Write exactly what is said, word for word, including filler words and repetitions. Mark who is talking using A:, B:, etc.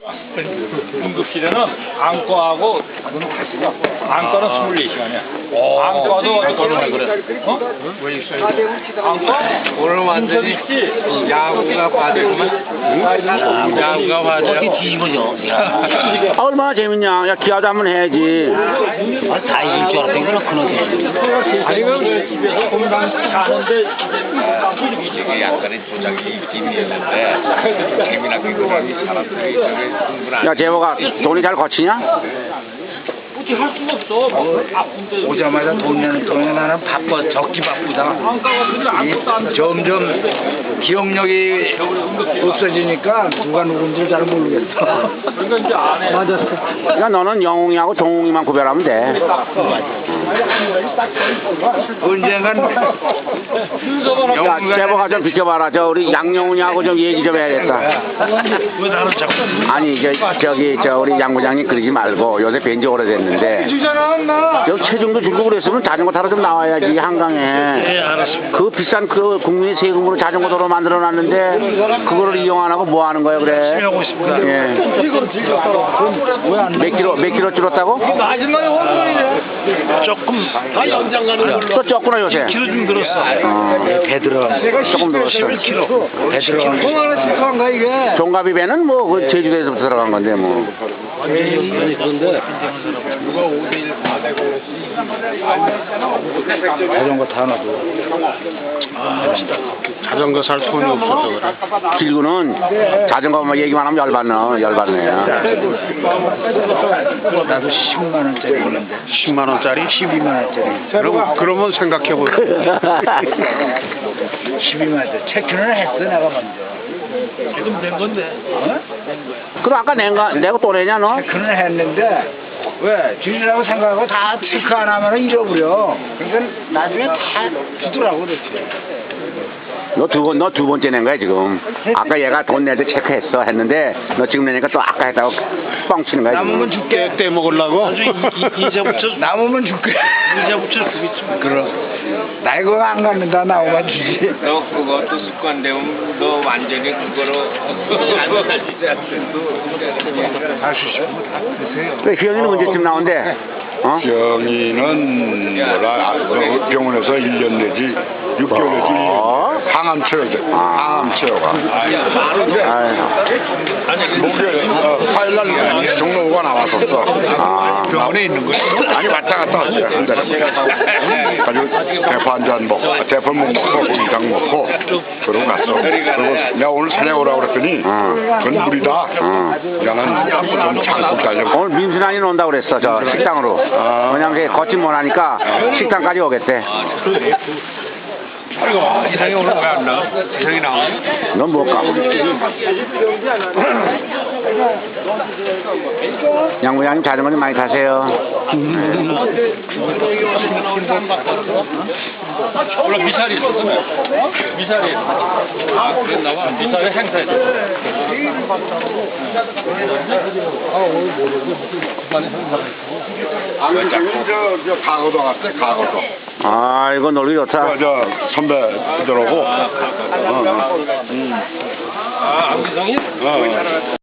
A: 응급실에는 안과하고 안과는 스물네 시간이야. 안과도 얼마나 그래? 어? 왜 있어요? 안과?
B: 오늘 완전히 야구가 빠졌구만. 야구가 빠져.
C: 어떻게 뒤집어져?
D: 아, 얼마나 재밌냐. 야, 기아도 한번 해야지.
C: 아, 다 이길 줄 알았더니 이거는 그놈이.
A: 아니 그 집에서 건강 사는데
B: 이게 약간의 조작이 있는데 재미나게 그런 사람들이 저게 충분한.
D: 야, 재호가 돈이 잘 거치냐?
A: 어떻게 할 수가 없어. 뭐 아픈데.
E: 오자마자 돈 내는 돈이 나는 바빠 적기 바쁘다.
A: 안과가 그냥 아무것도 안 돼.
E: 점점 기억력이 없어지니까 누가 누군지 잘 모르겠어.
A: 그러니까 이제 안 해.
E: 맞았어.
D: 야, 너는 영웅이하고 동웅이만 구별하면 돼.
E: 언젠간
D: 야, 재호가 좀 비켜봐라. 저 우리 양영훈이하고 좀 얘기 좀 해야겠다.
E: 왜 나를 자꾸
D: 아니, 저, 저기, 저 우리 양 부장님 그러지 말고 요새 뵌지 오래됐는데.
E: 주잖아 나.
D: 여기 체중도 줄고 그랬으면 자전거 타러 좀 나와야지, 한강에.
E: 네, 알았습니다.
D: 그 비싼 그 국민의 세금으로 자전거 도로 만들어 놨는데, 그거를 이용 안 하고 뭐 하는 거야, 그래?
E: 하고 있습니다.
D: 예.
E: 왜안
D: 몇 킬로, 몇 킬로 줄었다고?
E: 마지막에 호르몬이네. 조금 다 연장 가는 걸로.
D: 또 쪘구나, 요새.
E: 킬로 좀 늘었어.
D: 어.
E: 배 들어.
D: 조금 늘었어.
E: 십일 킬로. 배 들어. 얼마나 실컷한가 이게.
D: 종갑이 배는 뭐, 그 제주도에서 들어간 건데, 뭐.
E: 완전히 그런데 자전거 타놔도
A: 자전거 살 돈이 없어서 그래.
D: 길구는 자전거 뭐 얘기만 하면 열받네, 열받네.
E: 나도 십만 원짜리 있는데
A: 십만 원짜리?
E: 십이만 원짜리.
A: 그럼, 그러면 생각해보자.
E: 십이만 원짜리 체크는 했어 내가 먼저.
A: 지금 된 건데.
E: 어?
D: 그럼 아까 내가, 내가 또 내냐, 너?
E: 체크는 했는데 왜 주인이라고 생각하고 다 체크 안 하면 잃어버려. 그러니까 나중에 다 주더라고 그렇지.
D: 너 두 번, 너 두 번째 낸 거야, 지금. 아까 얘가 돈 낼 때 체크했어 했는데, 너 지금 내니까 또 아까 했다고 뻥치는 거야,
E: 남으면
D: 지금.
E: 줄게.
A: 떼먹으려고?
E: 이자 붙여. 남으면 줄게. 이자 붙여 주겠지. 그럼. 나 이거 안 갖는다 나오면 주지.
B: 너 그것도 습관되면 너 완전히 그거로 안 가지지 않고
E: 할 수 있으면 다 드세요.
D: 그래, 희영이는 언제쯤 나온대? 어?
F: 병이는 뭐라 그 병원에서 일 년 내지 육 개월 내지
D: 어?
F: 항암 치료제
D: 아.
F: 항암 치료가
D: 아유.
F: 목요일 어, 화요일날 종로가 나왔었어.
D: 아.
F: 병원에 있는 거야? 아니 왔다 갔다 왔어요 한 달에. 가지고 대파 한 잔 먹고 대파 못 먹고 그 이상 먹고 그러고 갔어. 그리고 내가 오늘 사냥 오라고 그랬더니
D: 어.
F: 그건 무리다.
D: 어.
F: 야는 좀 참고 달려.
D: 오늘 민순환이 온다고 그랬어, 저 식당으로. 왜냐면 걷지 못하니까 식당까지 오겠대.
B: 이상이 오늘 왜 안 나와? 이상이 나오냐?
D: 넌 못 가. 양 부장님 자전거 좀 많이 타세요.
A: 원래 미사리 있었으면. 미사리. 아, 그랬나 봐. 미사리 행사했어. 아, 오늘 모르고 무슨 집안에 행사가 있어.
F: 아니 저, 저 가거도 갔대 가거도.
D: 아, 이거 놀기 좋다.
F: 저, 저 선배들하고 어, 어.
A: 아, 안기성이?
F: 어.